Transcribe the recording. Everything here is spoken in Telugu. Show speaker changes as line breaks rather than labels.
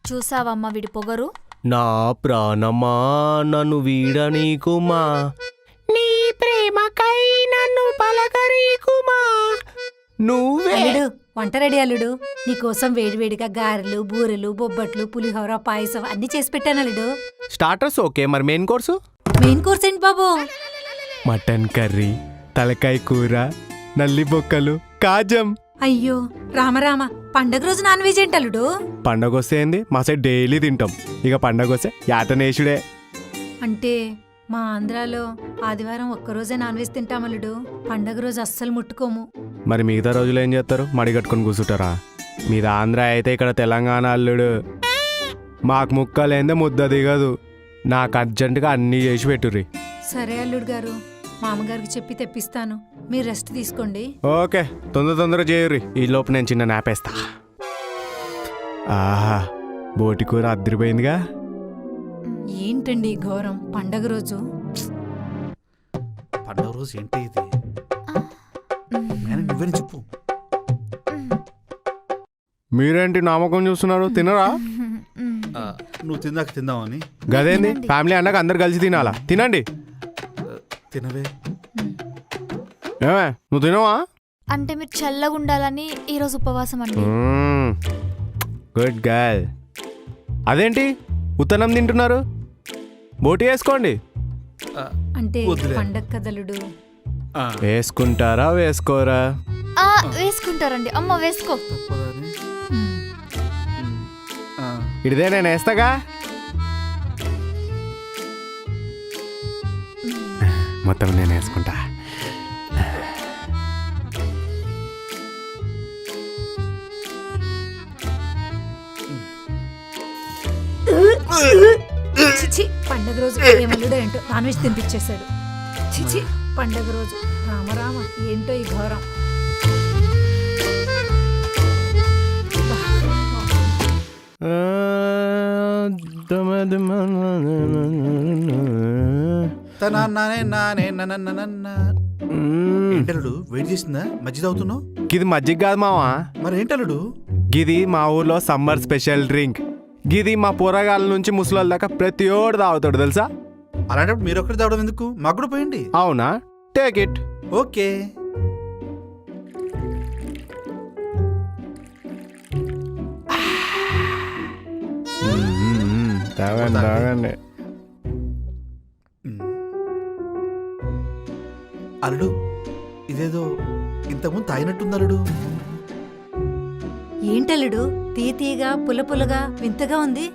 చూసావమ్మా వీడి పొగరు.
నా ప్రాణమా నన్ను వీడనీకుమా, నీ ప్రేమకై నన్ను పలకరీకుమా. నువ్వే
అల్లుడు వంట రెడీ అల్లుడు. నీకోసం వేడివేడిగా గారెలు, బూరెలు, బొబ్బట్లు, పులిహోర, పాయసం అన్ని చేసి పెట్టాను అల్లుడు.
స్టార్టర్స్ ఓకే, మరి మెయిన్ కోర్సు?
మెయిన్ కోర్స్ ఏంటి బాబు?
మటన్ కర్రీ, తలకాయ కూర, నల్లి బొక్కలు, కాజం.
అయ్యో రామరామ, పండగ రోజు నాన్ వెజ్ ఏంటి అల్లుడు?
పండగ వస్తే ఏంది, మా సైడ్ డైలీ తింటాం. ఇక పండగ వస్తే యాటనేషుడే.
అంటే మా ఆంధ్రాలో ఆదివారం ఒక్కరోజే నాన్ వెజ్ తింటాం అల్లుడు. పండగ రోజు అస్సలు ముట్టుకోము.
మరి మిగతా రోజులు ఏం చేస్తారు? మడి కట్టుకొని కూర్చుంటారా? మీది ఆంధ్ర అయితే ఇక్కడ తెలంగాణ అల్లుడు. మాకు ముక్కలేందే ముద్ద దిగదు. నాకు అర్జెంటుగా అన్నీ చేసి పెట్టుర్రి.
సరే అల్లుడు గారు, మామగారికి చెప్పి తెప్పిస్తాను. మీరు రెస్ట్ తీసుకోండి.
ఓకే, తొందరగా చేయుర్రి. ఈ లోపు నేను చిన్న నాపేస్తా. ఆహా, బోటి కూర అద్దరిపోయిందిగా.
ఏంటండి ఈ ఘోరం? పండగ రోజు
పండగ రోజు ఏంటి ఇది? నువ్వే చెప్పు.
మీరేంటి నామకం చూస్తున్నారు? తినరా?
నువ్వు తిందాక తిందామని.
గదేంది, ఫ్యామిలీ అన్నాక అందరు కలిసి తినాలా? తినండి.
తినవే.
ఏమే, నువ్వు తినవా?
అంటే మీరు చల్లగా ఉండాలని ఈరోజు ఉపవాసం అండి.
Good girl. అదేంటి ఉత్తనం తింటున్నారు? బోటి వేసుకోండి.
అంటే
వద్దులే.
పండగ కదలుడు.
వేసుకుంటారా వేసుకోరా?
వేసుకుంటారండి. అమ్మ వేసుకో.
తప్పదని.
ఇదే నేను వేస్తాగా. మొత్తం నేను వేసుకుంటా.
చిచి, పండగ రోజు ఏమల్లుడో ఏంటో నాన్ వెజ్ తినిపించేశాడు. చిచి, పండగ రోజు రామరామ, ఏంటో ఈ ఘోరం.
ఏంటలుడు వెయిట్ చేసిందా? మజ్జిగ తాగుతున్నావు?
గిది మజ్జిగ కాదు మావా.
మరి ఏంటలుడు?
గిది మా ఊర్లో సమ్మర్ స్పెషల్ డ్రింక్. గిది మా పోరగాళ్ళ నుంచి ముసలోళ్ళ దాకా ప్రతి ఓడు తాగుతాడు తెలుసా.
అలాంటప్పుడు మీరు ఒక్కటి తాగడం ఎందుకు? మాకు కూడా పోయండి.
అవునా? Take it.
ఓకే.
తాగండి తాగండి.
అల్లుడు, ఇదేదో ఇంతకుముందు తాగినట్టుంది అల్లుడు.
ఏంటల్లుడు తీయగా పుల్లగా వింతగా ఉంది?